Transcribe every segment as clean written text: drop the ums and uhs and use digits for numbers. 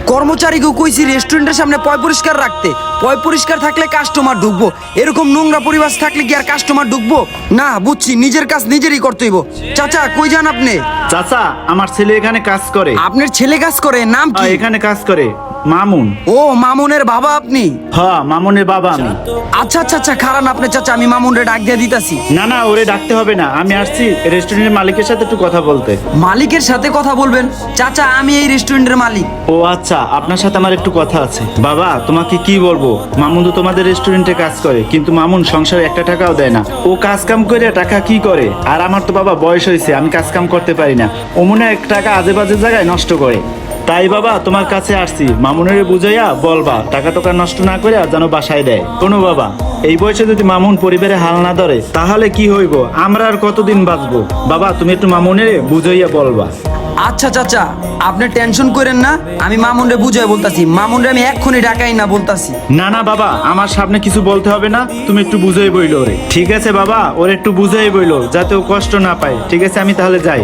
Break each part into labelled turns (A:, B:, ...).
A: কর্মচারীকে কইছি রেস্টুরেন্টের সামনে পয় পরিষ্কার রাখতে। পয় পরিষ্কার থাকলে কাস্টমার ঢুকবো, এরকম নোংরা পরিবেশ থাকলে কি আর কাস্টমার ঢুকবো? না, বুঝছি, নিজের কাজ নিজেরই করতে হইব। চাচা কই যান আপনি?
B: চাচা, আমার ছেলে এখানে কাজ করে।
A: আপনার ছেলে কাজ করে? নাম কি?
B: এখানে কাজ করে মামুন।
A: ও, মামুনের বাবা আপনি?
B: হ্যাঁ, মামুনের বাবা আমি।
A: আচ্ছা আচ্ছা আচ্ছা, খারান আপনি চাচা, আমি মামুনরে ডাক দিয়ে দিতাছি।
B: না না, ওরে ডাকতে হবে না, আমি আসছি রেস্টুরেন্টের মালিকের সাথে একটু কথা বলতে।
A: মালিকের সাথে কথা বলবেন? চাচা, আমি এই রেস্টুরেন্টের মালিক।
B: ও আচ্ছা, আপনার সাথে আমার একটু কথা আছে। বাবা, তোমাকে কি বলবো, মামুন তো তোমাদের রেস্টুরেন্টে কাজ করে, কিন্তু মামুন সংসারে একটা টাকাও দেয় না। ও কাজ কাম করে টাকা কি করে? আর আমার তো বাবা বয়স হয়েছে, আমি কাজ কাম করতে পারি না। ও মনে হয় এক টাকা আজে বাজে জায়গায় নষ্ট করে। তাই বাবা তোমার কাছে আসছি, মামুনের বুঝাইয়া বলবা টাকা টাকা নষ্ট না করে যেন বাসায় দেয়। শোনো বাবা, এই বয়সে যদি মামুন পরিবারে হাল না ধরে তাহলে কি হইব? আমরা আর কতদিন বাঁচবো? বাবা তুমি একটু মামুনের বুঝাইয়া বলবা।
A: আচ্ছা চাচা, আপনি টেনশন করেন না, আমি মামুনরে বুঝাই বলতাছি। মামুনরে আমি এক্ষুনি ডাকাই না বলতাছি।
B: না না বাবা, আমার সামনে কিছু বলতে হবে না, তুমি একটু বুঝাই বইলো ওরে। ঠিক আছে বাবা, ওরে একটু বুঝাই বইলো যাতে ও কষ্ট না পায়। ঠিক আছে, আমি তাহলে যাই।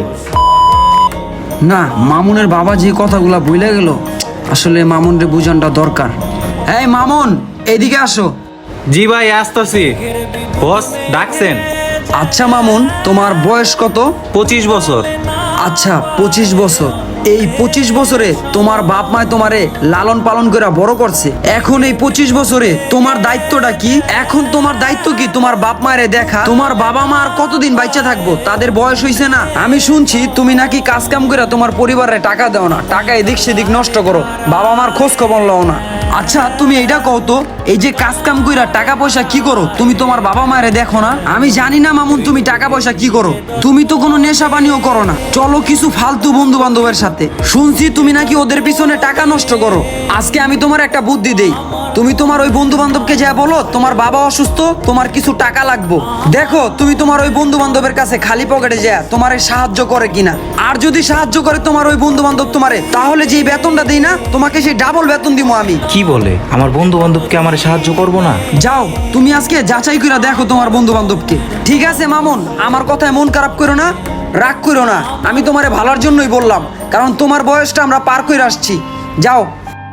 A: না, মামুনের বাবা যে কথাগুলা বইলে গেল, আসলে মামুনরে বুঝানটা দরকার। এই মামুন, এদিকে আসো।
C: জি ভাই, আসতেছি। বস ডাকছেন?
A: আচ্ছা মামুন, তোমার বয়স কত?
C: 25 বছর।
A: আচ্ছা, 25 বছর। এই 25 বছরে তোমার বাপ মায় তোমারে লালন পালন করে বড় করছে। এখন এই 25 বছরে তোমার দায়িত্বটা কি? এখন তোমার দায়িত্ব কি? তোমার বাপ মায়ের দেখা। তোমার বাবা মা আর কতদিন বাইচা থাকবো? তাদের বয়স হইছে না? আমি শুনছি তুমি নাকি কাজ কাম করে তোমার পরিবারে টাকা দাও না, টাকা এদিক সেদিক নষ্ট করো, বাবা মার খোঁজ খবর লও না। আচ্ছা তুমি এইটা কও তো, এই যে কাজ কাম কইরা টাকা পয়সা কি করো? তুমি তোমার বাবা মায়ের দেখো না? আমি জানি না মামুন তুমি টাকা পয়সা কি করো। তুমি তো কোনো নেশা পানিও করো না, চলো কিছু ফালতু বন্ধু বান্ধবের সাথে। শুনছি তুমি নাকি ওদের পিছনে টাকা নষ্ট করো। আজকে আমি তোমার একটা বুদ্ধি দেই, তুমি তোমার ওই বন্ধু বান্ধবকে যা বলো তোমার বাবা অসুস্থ, তোমার কিছু টাকা লাগবে। দেখো তুমি তোমার ওই বন্ধু বান্ধবের কাছে খালি পকেটে যা তোমার সাহায্য করে কিনা। আর যদি সাহায্য করে তোমার ওই বন্ধু বান্ধব তোমারে, তাহলে যে বেতনটা দেই না তোমাকে সেই ডাবল বেতন দিব আমি।
C: কি বলে? আমার বন্ধু বান্ধবকে আমার সাহায্য করব না?
A: যাও তুমি আজকে যাচাই করে দেখো তোমার বন্ধু বান্ধবকে। ঠিক আছে মামুন, আমার কথায় মন খারাপ করো না, রাগ করো না, আমি তোমারে ভালোর জন্যই বললাম, কারণ তোমার বয়সটা আমরা পার করে আসছি। যাও।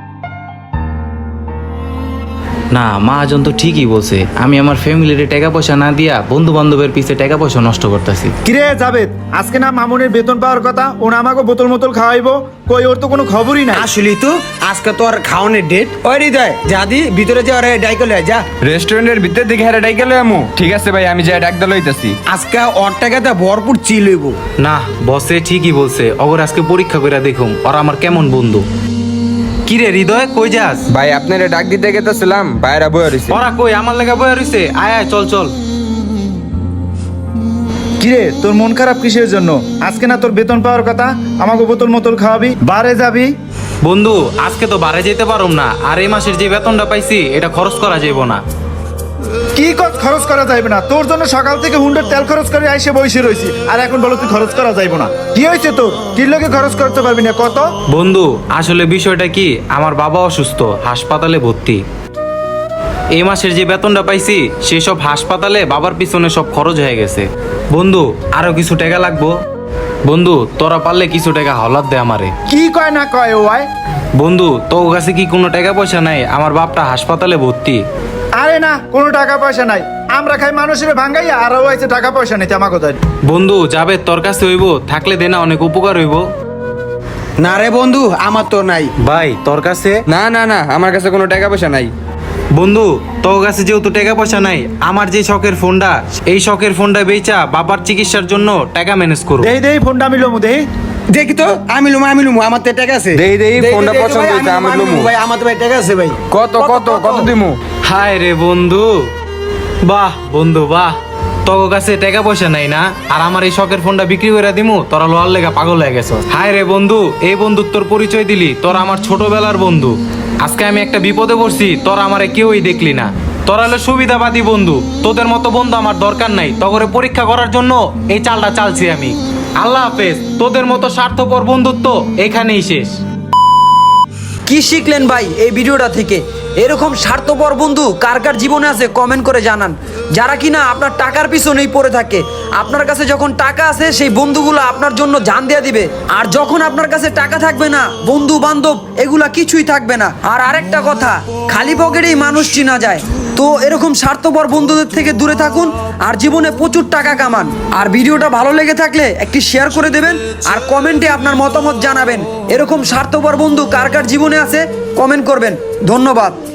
C: না, মহাজন তো ঠিকই বলছে, আমি আমার ফ্যামিলির টাকা পয়সা না দিয়া বন্ধু বান্ধবের পিছে টাকা পয়সা নষ্ট করতেছি।
B: কিরে জাবেদ, আজকে না মামুনের বেতন পাওয়ার কথা, ও না আমাকে বোতল মোতল খাওয়াইবো, কই ওর তো কোনো খবরই নাই।
D: আসলেই তো আজকে তো আর খাওয়ানোর ডেট। ওই হৃদয়, যাদি ভিতরে যে ওরে ডাইকে লয় যা।
E: রেস্টুরেন্টের ভিতর দিকে হেরে ডাইকে লই আমু। ঠিক আছে ভাই, আমি যাই ডাক দা লইতাছি।
D: আজকে ওর টাকাতে ভরপুর চিল হইব।
C: না, বসে ঠিকই বলছে, অগর আজকে পরীক্ষা করে দেখুম ওরা আমার কেমন বন্ধু। কিরে হৃদয়, কই যাস?
E: ভাই আপনারে ডাক দিতে গেতেছিলাম, বাইরে বইয়া রইছে।
C: ওরা কই? আমার লাগা বইয়া রইছে। আয় আয়, চল চল।
B: কিরে তোর মন খারাপ কিসের জন্য? আজকে না তোর বেতন পাওয়ার কথা, আমাকে বোতল মোতল খাওয়াবি, বারে যাবি।
C: বন্ধু, আজকে তো বাড়ি যেতে পারুম না, আর এই মাসের যে বেতনটা পাইছি এটা খরচ করা যাইব না।
B: কি খরচ করা যাইবে না? তোর জন্য সকাল থেকে হুন্ডের তেল খরচ করে আইসে বসে রয়েছি, আর এখন বলো তুই খরচ করা যাইব না? কি হয়েছে তোর? কি লোকে খরচ করতে পারবি না কত?
C: বন্ধু, আসলে বিষয়টা কি, আমার বাবা অসুস্থ, হাসপাতালে ভর্তি। এই মাসের যে বেতনটা পাইছি সেই সব হাসপাতালে বাবার পিছনে সব খরচ হয়ে গেছে। বন্ধু, আরো কিছু টাকা লাগবো। বন্ধু, তোরা পারলে কিছু টাকা হলাদ দে আমারে।
B: কি কয় না কয় ও আয়?
C: বন্ধু, তোর কাছে কি কোনো টাকা পয়সা নাই? আমার বাপটা হাসপাতালে ভর্তি।
B: আরে না, কোনো টাকা পয়সা নাই, আমরা খাই মানুষের ভাঙ্গাইয়া, আর ও আইছে টাকা পয়সা নিতে আমার কথা।
C: বন্ধু, যাবে তোর কাছে হইব, থাকলে দে না, অনেক উপকার হইব।
D: না রে বন্ধু, আমার তো নাই।
C: ভাই তোর কাছে?
E: না না না, আমার কাছে কোনো টাকা পয়সা নাই।
C: বন্ধু, তোর কাছে যেহেতু টাকা পয়সা নাই, আমার যে শখের ফোনটা, এই শখের ফোনটা বেচা বাবার চিকিৎসার জন্য টাকা ম্যানেজ করো।
B: দেই ফোনটা আমি লমু, দেই
D: দেখি তো, আমি লুমু, আমার তো টাকা আছে।
E: দেই, ফোনটা পছন্দ হইছে, আমি লমু।
D: ভাই আমার তো ভাই টাকা আছে ভাই।
E: কত কত কত দিমু?
C: হায় রে বন্ধু, বাহ বন্ধু বাহ, তোর কাছে টাকা পয়সা নাই না, আর আমার এই শখের ফোনটা বিক্রি করে দিমু, তোরা লোয়ার লেগা পাগল হয়ে গেছ। হায় রে বন্ধু, এই বন্ধুত্বর পরিচয় দিলি, তোরা আমার ছোটবেলার বন্ধু। আজকে আমি একটা বিপদে পড়ছি, তোরা আমারে কেউই দেখলি না। তোরা হলো সুবিধাবাদী বন্ধু, তোদের মতো বন্ধু আমার দরকার নাই। তগরে পরীক্ষা করার জন্য এই চালটা চালছি আমি। আল্লাহ হাফেজ, তোদের মতো স্বার্থপর বন্ধুত্ব এখানেই শেষ।
A: কি শিখলেন ভাই এই ভিডিওটা থেকে? এরকম স্বার্থপর বন্ধু কার কার জীবনে আছে কমেন্ট করে জানান, যারা কিনা আপনার টাকার পিছনেই পড়ে থাকে। আপনার কাছে যখন টাকা আছে সেই বন্ধুগুলো আপনার জন্য জান দিয়ে দিবে, আর যখন আপনার কাছে টাকা থাকবে না, বন্ধু বান্ধব এগুলা কিছুই থাকবে না। আর আরেকটা কথা, খালি পকেটেই মানুষ চিনা যায়। তো এরকম স্বার্থপর বন্ধুদের থেকে দূরে থাকুন আর জীবনে প্রচুর টাকা কামান। আর ভিডিওটা ভালো লেগে থাকলে একটি শেয়ার করে দেবেন আর কমেন্টে আপনার মতামত জানাবেন। এরকম স্বার্থপর বন্ধু কার কার জীবনে আছে কমেন্ট করবেন। ধন্যবাদ।